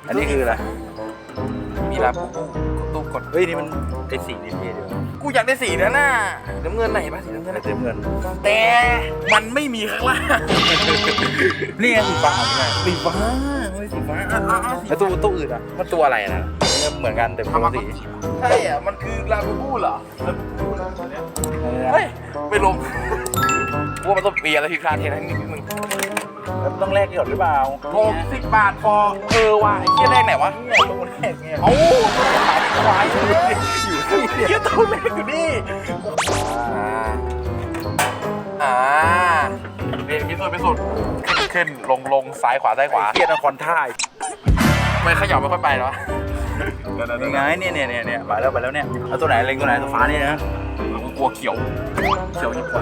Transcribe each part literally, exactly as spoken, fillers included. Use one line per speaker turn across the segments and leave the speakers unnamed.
อันนี้คืออะไร
มีลาบูบูตู้กด
เฮ้ยนี่มันไอ้สีนี่เท่ดี
กูอยากได้สีนั้นน่ะน้ำเงินไหนปะสีน้ำเงิน
เต็มเงิน
แต่มันไม่มีข้างล่าง
นี่ไงสีฟ้าใช่
สีฟ้าไม่สีฟ้าอ่ะอ่ะอ่ะสี
แล้วตู้ตู้อื่นอ่ะ
มันตัวอะไรนะ
เหมือนกันแต่คนละสี
ใช่อ่ะมันคือลาบูบูเหรอลาบูบูนะตัวเนี้ยเฮ้ยไปลงกูว่ามันต้องเปลี่ยนอะไรผิดพลาดเทนั้นนี่มึง
แล้วต้องแลกก่อนหรือเปล่า
หกสิบบาทพอเออว่ะไอ้เหี้ยแรกไหนวะ
เนี่ยตู้แรกเนี่ย
เอ้าขายควายเลยอยู่ที่เหี้ยตัวแรกอยู่นี่อ่าอ่าเรียนพิสูจน์พิสูจน์ขึ้นขึ้นลงลงซ้ายขวาซ้ายขวา
เกียร์นครท่าย
ไม่ขยับไม่ค่อยไปหรอ
ยังไงเนี่ยเนี่ยเนี่ยเนี่ยไปแล้วไปแล้วเนี่ยเอาตัวไหนเล็งตัวไหนตัวฟ้านี่นะ
กูกลัวเขียวเขียวยิ่งกว่า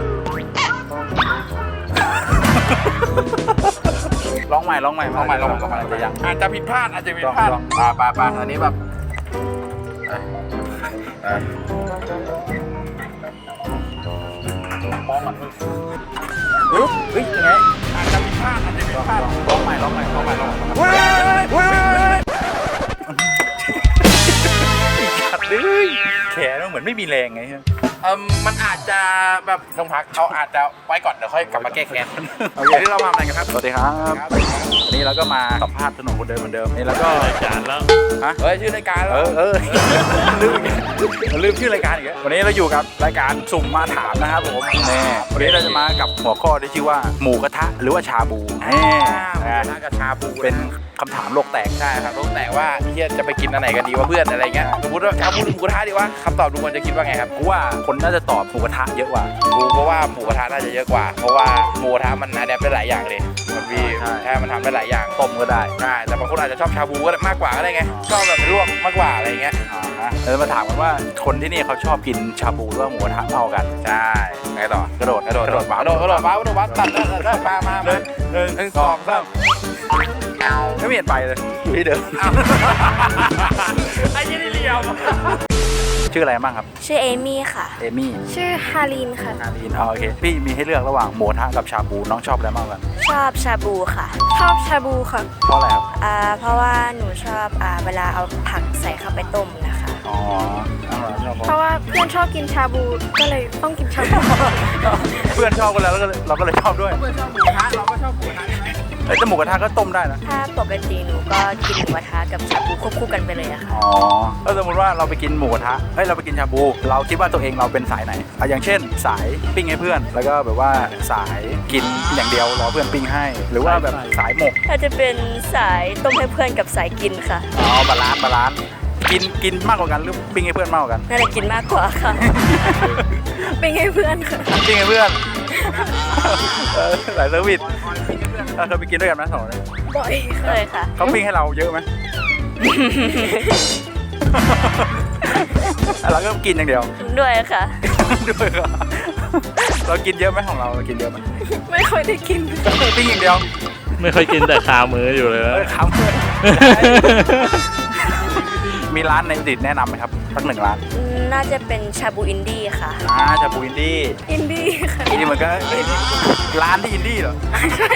ร้องใหม่ร้องใหม่
ลองใหม่ลองใหม่ลองใหม่
จะยัง
อาจจะผิดพลาดอาจจะผิดพลาด
ลอง
ปาปาปาอันนี้แบบมองมันเฮ้ยเฮ้ยยังไงอาจจะผิดพลาดอาจจะผิดพลาด
ร้องใหม่ร้องใหม่ร้องใหม่ร้องใหม่
เว้ยเว้ย
ขัดเลยแขนมันเหมือนไม่มีแรงไง
เอ่อมันอาจจะแบบต้องพักเขาอาจจะไว้ก่อนเดี๋ยวค่อยกลับมาแก้แค้น
โอเคที่เราทำอะไรกันครับสวัสดีครับวันนี้เราก็มาสัมภาษณ์ถนนคนเดิมเหมือนเดิมนี่แล้วก็รายการแล้วฮะ
เฮ้ยชื่อรายการ
เออเออลืมลืมชื่อรายการอีกแล้ววันนี้เราอยู่กับรายการสุ่มมาถามนะครับผมนี่วันนี้เราจะมากับหัวข้อที่ชื่อว่าหมูกระทะหรือว่าชาบูนี่
น่ากระชาบู
เป็นคำถามโลกแตก
ใช่ครับรู้แต่ว่าเฮียจะไปกินอันไหนกันดีวะเพื่อนอะไรเงี้ยสมมติว่าชาบูหรือหมูกระทะดีวะคำตอบดูมันจะคิดว่าไงครับ
กูว่าคนน่าจะตอบหมูกระทะเยอะกว่า
กูเพราะว่าหมูกระทะน่าจะเยอะกว่า เพราะว่าหมูกระทะมันอะแดปได้หลายอย่างเลยมันมี
ใช่
ใช่มันทำได้หลายอย่าง
ต้มก็ได้
ใช่แต่บางคนอาจจะชอบชาบูก็ได้มากกว่าก็ได้ไงชอบแบบลวกมากกว่าอะไรเงี้ย
อ่าฮะเราจะมาถามกันว่าคนที่นี่เขาชอบกินชาบูหรือว่าหมูกระทะเท่ากัน
ใช่ไงต่อก
ระโดด
กระโดดกระโดด
บ้าก
ระโดดกระโดดบ้ากระโดดบ้าตัดตัดตัดมามา
หนึ่งหนึ่ง
หนึ่งสองสาม
ไม่เปลี่ยนไปเลยอยู่ที่เดิม
ไอ้ยี่นี่เลียว
ชื่ออะไรบ้างครับ
ชื่อเอมี่ค่ะ
เอมี่
ชื่อฮารินค่ะ
นาลีนอ๋อโอเคพี่มีให้เลือกระหว่างหมูกระทะกับชาบูน้องชอบอะไรมากกว่ากัน
ชอบชาบูค่ะ ชอบชาบูค่ะ
เพราะอะไรครับ
อ่าเพราะว่าหนูชอบอ่าเวลาเอาผักใส่เข้าไปต้มนะคะ
อ๋อน้องเหรอชอบ
เพราะว่าเพื่อนชอบกินชาบูก็เลยต้องกินชาบู
เพื่อนชอบกันแล้วก็เลยเราก็เลยชอบด้วย
เพื่อนชอบหมูกระทะเราก็ชอบหมูกระทะ
เอ้ยแต่หมูกระทะก็ต้มได้นะ
ถ้าปกติหนูก็กินหมูกระทะกับชาบูควบคู่กันไปเลยอะค่ะ
อ๋อถ้าสมมติว่าเราไปกินหมูกระทะเฮ้ยเราไปกินชาบู เราคิดว่าตัวเองเราเป็นสายไหนอ่ะอย่างเช่น สายปิ้งให้เพื่อน แล้วก็แบบว่าสายกินอย่างเดียวรอเพื่อนปิ้งให้ หรือว่าแบบสายหมก
ถ้าจะเป็นสายต้มให้เพื่อนกับสายกินค่ะ
อ๋อบาลานซ์บาลานซ์กินกินมากกว่ากันหรือปิ้งให้เพื่อนมากกว่ากัน
น่าจะกินมากกว่าค่ะ เป็นให้เพื่อนค่ะ
ปิ้งให้เพื่อน เออหลายเซอร์วิสเออเคยไปกินด้วยกันไหมสองคน
บ่อยเคยค่ะ
เขาปิ้งให้เราเยอะไหม เราก็กินอย่างเดียว
ด้วยค่ะ
ด้วยเหรอเรากินเยอะไหมของเราเรากินเยอะไหม
ไม่ค่อยได้กิน
ปิ้งอย่างเดียว
ไม่ค่อยกินแต่คามืออยู่เลย
เอ
นะ
อขำเลยมีร้านในอุตรดิตถ์แนะนำไหมครับสักหนึ่งร้าน
น่าจะเป็นชาบูอินดี้ค่ะ
อ่าชาบูอินดี้
อินดี้ค่ะ
อินดี้เหมือนกันเอ้ยร้านที่อินดี้เหรอใช่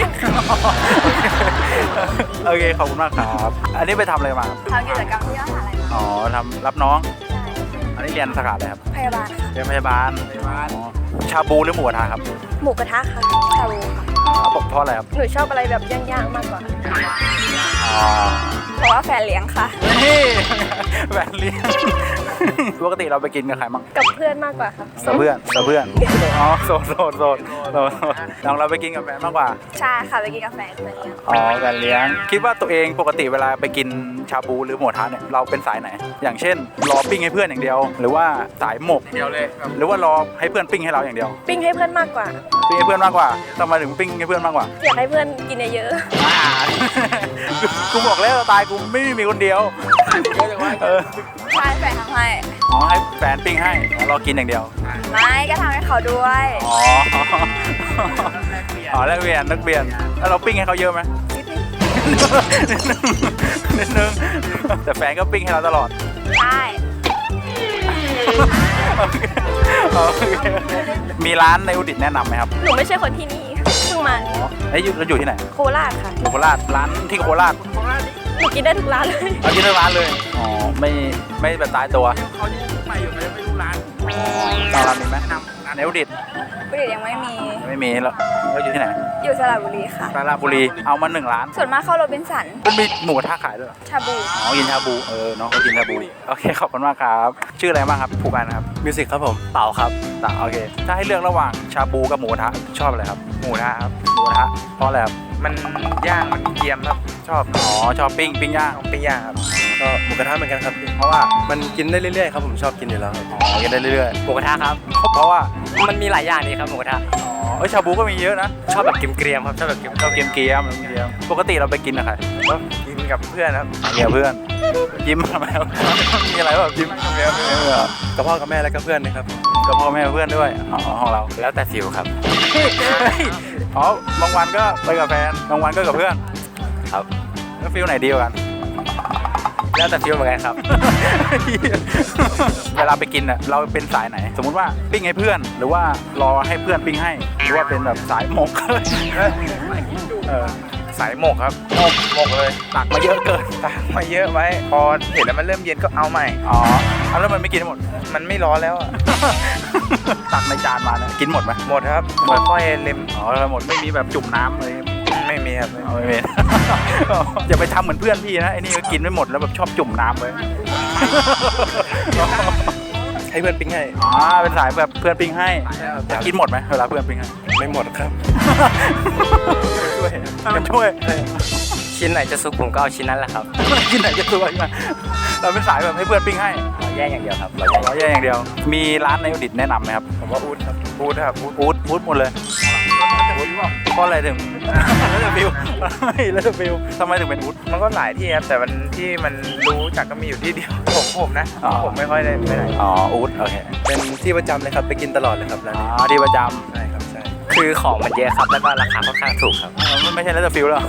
โอเคขอบคุณมากครับอันนี้ไปทำอะไรมาครับ
ทำกิจกรรมที่มหาลัย
อ๋อทำรับน้อง อันนี้เรียนสาขาอะไรครับ
พยาบาลค่ะ
เรียนพยาบาลอ๋อชาบูหรือหมูกระทะครับ
หมูกระทะค่ะชาบูค่ะ
อ๋อเพราะอะไรครับ
หนูชอบอะไรแบบย่างๆมากกว่า
อ๋อ
เพราะว่าแฟนเลี้ยงค่ะ
นี่แหวนเลี้ยงปกติเราไปกินกับใครบ้าง
กับเพื่อนมากกว่าค่ะ
กับเพื่อนกับเพื่อนอ๋อโสดโสดโสดโสดน้องเราไปกินกับแฟนมากกว่า
ใช่ค่ะไปกินกาแฟนเพื่อนเลี้ยง
อ๋อแฟนเลี้ยงคิดว่าตัวเองปกติเวลาไปกินชาบูหรือหมูกระทะเนี่ยเราเป็นสายไหน อย่างเช่นรอปิ้งให้เพื่อนอย่างเดียว หรือว่าสายหมก
เดียวเลยแบบ
หรือว่ารอให้เพื่อนปิ้งให้เราอย่างเดียว
ปิ้งให้เพื่อนมากกว่า
ปิ้งให้เพื่อนมากกว่าทำไมถึงปิ้งให้เพื่อนมากกว่า
อยากให้เพื่อนกินเยอะ
อ่า กูบอกแล้วตายกูไม่มีคนเดียว
เยอะจังวะ
เออ
ๆใช่แฟนทำให้
อ๋อให้แฟนปิ้งให้เรากินอย่างเดียว
ไม่ก็ทำให้เขาด้วย
อ๋ออ๋อแลกเปลี่ยนแลกเปลี่ยนแล้วเราปิ้งให้เขาเยอะไหม
นิดนึง
นิดนึงแต่แฟนก็ปิ้งให้เราตลอด
ใช่
โอเคโอเคมีร้านในอุตรดิตถ์แนะนำไหมครับ
หนูไม่ใช่คนที่นี่เพิ่งมา
อ๋อเอ้ยอยู่เราอยู่ที่ไหน
โคราชค่ะ
อยู่โคราชร้านที่โคราช
หนูกินได้ทุกร้านเลย
เอากินทั้งร้านเลย อ๋อ ไม่ไม่แบบตายตัว
เขายังไปอยู่เลยไม่รู้ร้าน
ทางร้านมีไหม
นำร้าน
เนวดิด
บุรียังไม่มี
ไม่มีแล้วแล้วอยู่ที่ไหน
อยู่สระบุรีค่ะ
ราชบุรี เอามาหนึ่งร้าน
ส่วนมากเข้าโรบินสัน
มันมีหมูกระทะขายด้วยเหรอ
ชาบู
อ๋อ กินชาบู เออ น้องเขากินชาบู โอเค ขอบคุณมากครับ ชื่ออะไรบ้างครับผู้การครับ
มิวสิกครับผมเป่าครับ
ต่างโอเค ถ้าให้เลือกระหว่างชาบูกับหมูกระทะชอบอะไรครับ
หมูนะครับ
หมูกระทะ เพราะอะไรครับ
มันย่างมันเกรียมครับชอบ
อ๋อ ชอบปิ้ง ปิ้งย่าง
ปิ้งย่างครับก็หมูกระทะเหมือนกันครับเพราะว่ามันกินได้เรื่อยๆครับผมชอบกินอยู่แล้วครับ
อ๋อ กินได้เรื่อย
หมูกระทะครับ
ๆ เพราะว่า
มันมีหลายอย่างดีครับหมูกระทะ
อ๋อเอ้ยชาบูก็มีเยอะนะ
ชอบแบบเกรียมๆครับชอบแบบเกรียม
ชอบเกมเกมเกมปกติเราไปกินกับใคร
ๆก็กินกับเพื่อนครับ
เมียเพื่อน ยิ้มทำไมวะมีอะไรแบบยิ้มเมียเพื่อนเหรอ
กับพ่อกับแม่แล้วก็เพื่อนนะครับ
กับพ่อแม่เพื่อนด้วย อ๋อ ของเรา
แล้วแต่ฟิลครับ
อ๋อบางวันก็ไปกับแฟน บางวันก็กับเพื่อน
ครับ
แล้วฟิลไหนดีกว่ากัน
แล้วแต่ฟิลเหมือนกันครับ
เวลาไปกินอ่ะเราเป็นสายไหน สมมุติว่าปิ้งให้เพื่อน หรือว่ารอให้เพื่อนปิ้งให้ หรือว่าเป็นแบบสายหมก เออ
สายหมกครับหมกหมกเลย
ตักมาเยอะเกิน
ตักมาเยอะไว้พอเห็นแล้วมันเริ่มเย็นก็เอาใหม่
อ๋อเอาแล้วมันไม่กินหมด
มันไม่ร้อนแล้วอะ
ตักในจานมาเนี่ยกินหมดไหม
หมดครับค่อยๆเล็ม
อ๋อหมดไม่มีแบบจุ่มน้ำเลย
ไม่มีครับ
เอาไม่เป็น อย่าไปทำเหมือนเพื่อนพี่นะไอ้นี่ก็กินไม่หมดแล้วแบบชอบจุ่มน้ำเลย
ให้เพื่อนปิ้งให้
อ๋อเป็นสายแบบเพื่อนปิ้งให้จะกินหมดไหมเวลาเพื่อนปิ้งให้
ไม่หมดครับ
ช่วยกันช่วย
ชิ้นไหนจะสุกผมก็เอาชิ้นนั้นแหละครับ
กินไหนจะตัวใช่ไหมเราเป็นสายแบบให้เพื่อนปิ้งให้
เราแยกอย่างเดียวครับเรา
เราแย่อย่างเดียว มีร้านในอุดิตแนะนำไหมครับ
ผมว่าอูดครับอูดครับอูด
อูดอูดหมดเลยเพราะอะไรถึงแล้วจะฟิวแล้วจะฟิวทำไมถึงเป็นอูด
มันก็หลายที่ครับแต่มันที่มันรู้จักก็มีอยู่ที่เดียวผมผมนะ
อ๋อ
ผมไม่ค่อยได้ไปไหน
อ๋ออูดโอเค
เป็นที่ประจำเลยครับไปกินตลอดเลยครับร้าน
อ๋
นี้
อที่ประจ
ใช่ครับใช่คือของมันเยอะครับแล้วก็ราคาค่อนข้างถูกครับ
ำมันไม่ใช่แล้วจะฟิวแล้ว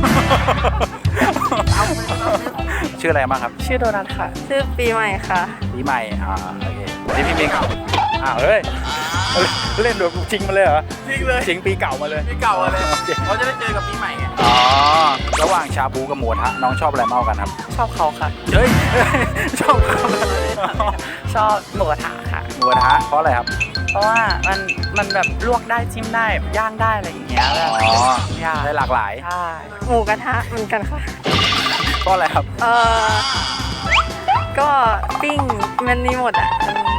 ชื่ออะไรบ้างครับ
ชื่อโดนัทค่ะ ชื่อปีใหม่ค่ะ
ปีใหม่ อ่า โอเควันนี้พี่มิงอ้าวเฮ้ย เล่นดวงจริงมาเลยเหรอ
จริงเลย
จริงปีเก่ามาเลย
ปีเก่าเลย
โอค
เขาจะได้เจอกับปีใหม่ไง
อ๋อ ระหว่างชาบูกับหมูกระทะน้องชอบอะไรมากกว่ากันครับ
ชอบเขาค่ะ
เฮ้ย ชอบเขา
ชอบหมูกระทะค่ะ
หมูกระทะเพราะอะไรครับ
เพราะว่ามันมันแบบลวกได้จิ้มได้ย่างได้อะไรอย่างเงี้ยแบบ
อ๋อ
ย่าง
ได้หลากหลาย
ใช่หมูกระทะเหมือนกันค่ะ
เพราะอะไรครับ
เออก็ปิ้งมันมีหมดอ่ะ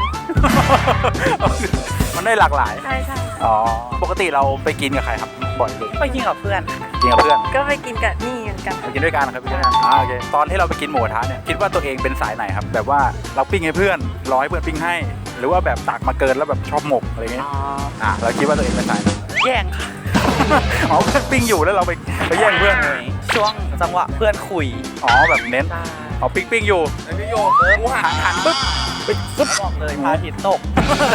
มันได้หลากหลาย
ใช่ใช่
อ๋อ ปกติเราไปกินกับใครครับ บ่อยเลย
ไปกินกับเพื่อนค่ะ
กินกับเพื่อน
ก็ไปกินกับนี่เหมือนกัน
ไปกินด้วยกันครับไปกินด้วยกันอ่าโอเค ตอนที่เราไปกินหมูกระทะเนี่ย คิดว่าตัวเองเป็นสายไหนครับ แบบว่าเราปิ้งให้เพื่อนรอให้เพื่อนปิ้งให้ หรือว่าแบบตักมาเกินแล้วแบบชอบหมกอะไรเงี้ย
อ๋อ
อ่ะเราคิดว่าตัวเองเป็นสายไหน
แย่งค่ะ
อ๋อเพื่อนปิ้งอยู่แล้วเราไปไปแย่งเพื่อน
ช่วงจังหวะเพื่อนคุย
อ๋อแบบเน้น อ๋อปิ้งปิ้งอยู่
ไอ้พี่โยเออกูหันหันปุ๊บ
ไปปุ๊บ
บอกเลยพระอาทิตย์ตก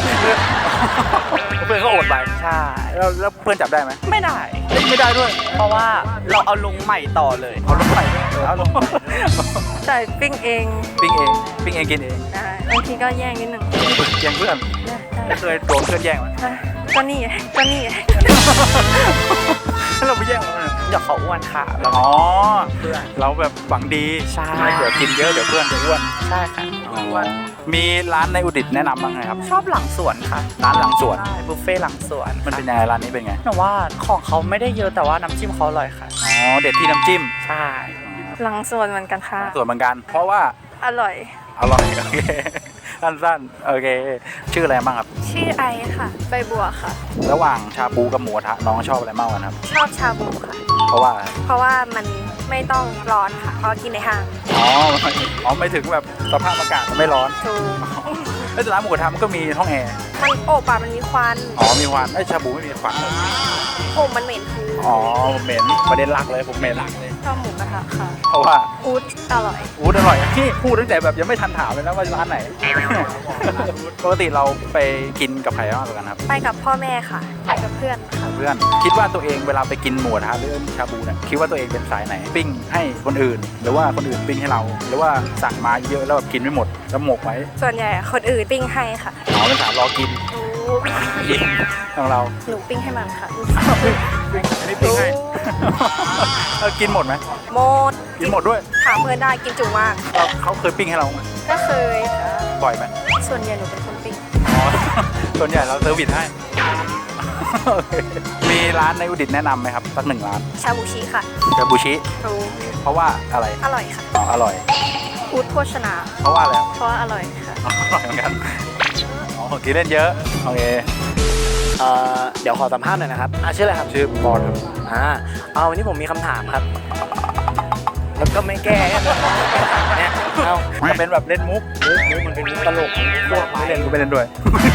เพื่อนก็อดไป
ใช่
แล้วแล้วเพื่อนจับได้ไหม
ไม่ได้
เอ้ยไม่ได้ด้วย
เพราะว่าเราเอาลงใหม่ต่อเลย
เอาลงไปด้วยเออเอาลง
ใช่ปิ้งเอง
ปิ้งเองปิ้งเองกินเอง
ได้บางทีก็แย่งนิดหนึ่ง
แย่งเพื่อน
ได้
ไม่เคยโดนเพื่อนแย่งไหม
ได้ก็นี่ไงก็นี่ไง
ถ้าเราไปแย่งเขาเนี่ย
เดี๋ยวเขาอ้วนค่ะแล้ว
อ๋อเราแบบหวังดี
ใช่
เดี๋ยวกินเยอะเดี๋ยวเพื่อนจะอ้วน
ใช่ค่ะ
มีร้านในอุดิตแนะนำบ้างไหมครับ
ชอบหลังสวนค่ะ
ร้านหลังสวน
ใช่บุฟเฟ่ต์หลังสวน
มันเป็นยังไงร้านนี้เป็นไง
แต่ว่าของเขาไม่ได้เยอะแต่ว่าน้ำจิ้มเขาอร่อยค่ะ
อ๋อเด็ดที่น้ำจิ้ม
ใช่หลังสวนเหมือนกันค่ะ
ส่วนเหมือนกัน เพราะว่า
อร่อย
อร่อยโอเคสั้นๆโอเค ชื่ออะไรบ้างครับ
ชื่อไอค่ะใบบัวค่ะ
ระหว่างชาบูกับหมูกระทะน้องชอบอะไรมากกว่ากันครับ
ชอบชาบูค่ะ
เพราะว่า
เพราะว่ามันไม่ต้องร้อนค่ะเพราะกินในห้าง
อ๋ออ๋อไม่ถึงแบบสภาพอากาศมันไม่ร้อน
ถูก
แล้วแต่ร้านหมูกระทะมันก็มีห้องแอร์
มันโอบอะมันมีควัน
อ๋อมีควันไอ้ยชาบูไม่มีควัน
โอบมันเหม็นคือ
อ๋อผมเหม็นประเด็นหลักเลยผมเหม็นหลักเลย
ชอบหมูกระทะค่ะ
เพราะว่า
อูดอร่อย
อู๊ดอร่อยที่พูดตั้งแต่แบบยังไม่ทันถามเลยนะว่าร้านไหน ปกติเราไปกินกับใครมากกว่ากันครับ
ไปกับพ่อแม่ค่ะไปกับเพื่อนค่ะ
เพื่อนคิดว่าตัวเองเวลาไปกินหมูกระทะหรือชาบูเนี่ยคิดว่าตัวเองเป็นสายไหน ปิ้งให้คนอื่น หรือว่าคนอื่นปิ้งให้เรา หรือว่าสั่งมาเยอะแล้วแบบกินไม่หมดแล้วหมกไว้
ส่วนใหญ่คนอื่นปิ้งให้ค่ะ
อ๋อเป็นสายรอกิน
โอ้
กินของเรา
หนูปิ้งให้มันค่ะ
อันนี้ปิ้งให้ เออกินหมดไหม
โมด
กินหมดด้วย
ถามเพื่อนได้กินจุมาก
เราเขาเคยปิ้งให้เราไหม
ก็เคยค่ะ
บ่อยไหม
ส่วนใหญ่หนูเป็นคนปิ้ง
อ๋อ ส่วนใหญ่เราเซอร์วิสให้ โอเคมีร้านในอุดิตถ์แนะนำไหมครับสักหนึ่งร้าน
ชาบูชิค่ะ
กาบูชิ
รู้
เพราะว่าอะไร
อร่อยค่ะ
อ๋ออร่อย
อูดโภชนา
เพราะว่าอะไรครับ
เพราะว่าอร่อยค่ะ
อ๋ออร่อยเหมือนกันอ๋อกินเล่นเยอะโอเค
เอ่อเดี๋ยวขอสัมภาษณ์หน่อยนะครับอ่ะชื่ออะไรครับ
ชื่อบอลครับ
อ่าเอาวันนี้ผมมีคำถามครับ แล้วก็ไม่แก้เนี่ยเอา
จะเป็นแบบเล่นมุก
มุกมุกมันเป็นมุกตลกทั่วไป
ไม่เล่นก็ไม่เล่นด้วย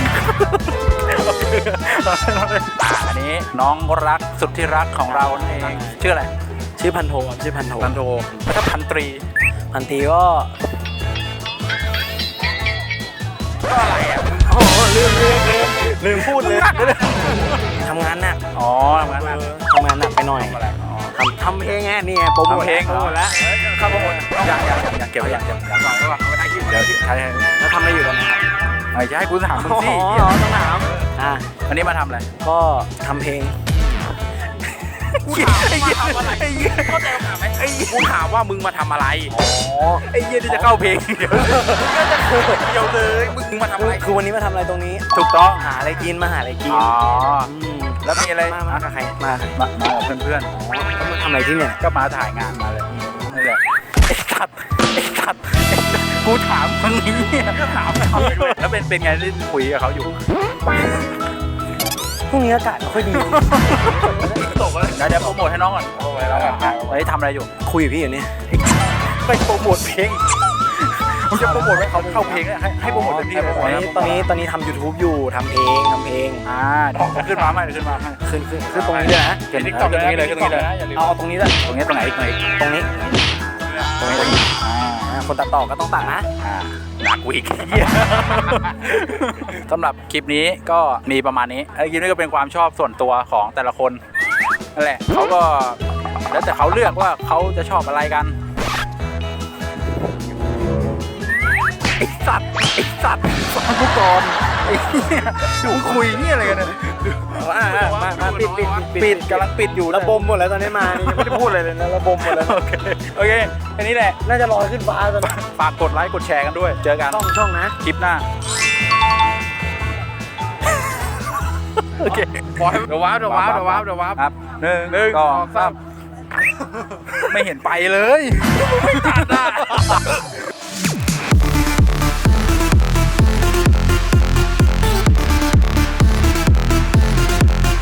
อ่าอันนี้น้องรักสุดที่รักของเราเองชื่ออะไร
ชื่อพันโทครับชื่อพันโท
พันโทแล้วก็พันตรี
พันตีก็
ก็อะไรอ่ะ
โอ้โหลืมลืมลืม
ลืมพูดเลย
ทำงานหนัก
อ๋อทำงานหนัก
ทำงานหนักไปหน่อย
อะไรอ๋อ
ทำทำเพลงไงนี่ไงโปรโมท
ทำเพลง
โปรโมทแล้ว
เข้าโปรโมทยังยังยังยังเก็บไว้ยังยังยังลองได้ป่ะไม่ได้คิดเดี๋ยวใช่ใช่
แล้วทำอะไรอยู่ตอนนี้ครับ
ไอ้จะให้กูถามมึง
อ๋อ
สิ
ต้องถามอ่ะ
วันนี้มาทำอะไร
ก็ทำเพลง
ไอ้เหี้ยไอ้เหี้ยเข้าใจคำถามไหมไอ้เหี้ย
กูถามว่ามึงมาทำอะไร
อ๋อ
ไอ้เหี้ยที่จะเข้าเพลงเดี๋ยว
ก็จะเขินเดียวเลยมึงมาทำ
คื
อะ
อ
ไร
คือวันนี้มาทำอะไรตรงนี้
ถูกต้อง
หาอะไรกินมาหาอะไรกิน
อ๋อ
ม
แล้วมีอะไร
มามากับใครมากับใคร
มามากับเพื่อน
แล้วมาทำอะไรที่เนี่ย
ๆก็มาถ่ายงานมาเลยนี่แหละไอ้สัตว์ไอ้สัตว์ไอ้สัตว์กูถามมึงนี่ก็ถามเขาไปด้วยแล้วเป็นเป็นไงที่คุยกับเขาอยู่
พรุ่งนี้อากาศไม่ค่อยดี
ตกเลยเดี๋ยวเดี๋ยวโปรโมทให้น้องก่อนโปรโมทให้น้องก่อนเฮ้ยทำอะไรอยู่
คุยกับพี่อยู่เนี่ย
ไปโปรโมทเพลงมึงจะโปรโมทให้เขาเข้าเพลงเนี่ยให้ให้โปรโมทเต็มที่เลย
ตอนนี้ตอนนี้ตอนนี้ทำ YouTube อยู่ทำเองทำเอง
อ่าเดี๋ยวขึ้นมาใหม่เดี๋ยวขึ้นมาใหม่
ขึ้นขึ้นขึ้นตรงนี้เลยนะ
ขึ้นตรงนี้เลยขึ้นตรงนี้เลย
เอาเอาตรงนี้เลย
ตรงนี้ตรงไหนอีกตรงไหนอีก
ตรงนี้
ตรงนี้ตรงนี้อ่า
อ่าคนตัดต่อก็ต้องตัดนะ
อ่าหนักกว่าอีกเหี้ยสำหรับคลิปนี้ก็มีประมาณนี้ไอ้คลิปนี้ก็เป็นความชอบส่วนตัวของแต่ละคนนั่นแหละเขาก็แล้วแต่เขาเลือกว่าเขาจะชอบอะไรกันไอ้สัตว์ไอ้สัตว์ฟังกูก่อนไอ้เหี้ยอยู่คุยนี่อะไรกันเนี่ย
อ่าอ่ามามาปิดปิด
ปิดกำลังปิดอยู่
ระบมหมดแล้วตอนนี้มานี่ยังไม่ได้พูดอะไรเลยนะระบมหมดแล้ว
โอเคโอเคแค่นี้แหละ
น่าจะลอยขึ้นฟ้าตอนนี้
ฝากกดไลค์กดแชร์กันด้วยเจอกัน
ช่องช่องนะ
คลิปหน้าโอเค
ปล่อยเดี๋ยวว้าวเดี๋ยวว้าวเดี๋ยวว้าวเดี๋ยวว้าว
ครับหนึ่ง
หนึ่ง
สอง
สอง
สา
สาม ม
ไม่เห็นไปเลยไม่ตัดอ่ะ